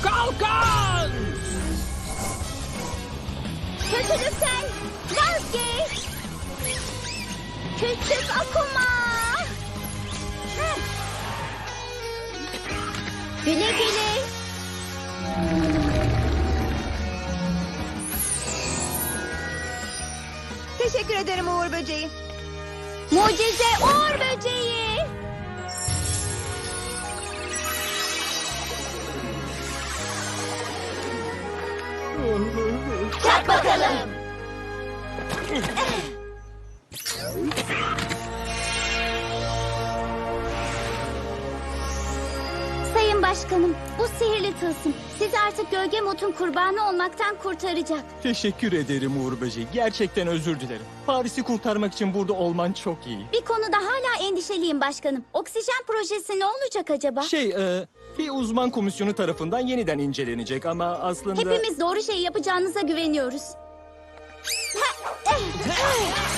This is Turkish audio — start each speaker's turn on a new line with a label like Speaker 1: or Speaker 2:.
Speaker 1: Kalkan!
Speaker 2: Kötülükten vazgeç. Küçük Akuma. Güle güle.
Speaker 3: Teşekkür ederim Uğur Böceği.
Speaker 2: Mucize Uğur Böceği. Çak bakalım. Sayın Başkanım, bu sihirli tılsım sizi artık Gölge Mot'un kurbanı olmaktan kurtaracak.
Speaker 1: Teşekkür ederim Uğur Böceği. Gerçekten özür dilerim. Paris'i kurtarmak için burada olman çok iyi.
Speaker 2: Bir konuda hala endişeliyim başkanım. Oksijen projesi ne olacak acaba?
Speaker 1: Bir uzman komisyonu tarafından yeniden incelenecek ama aslında...
Speaker 2: Hepimiz doğru şeyi yapacağınıza güveniyoruz.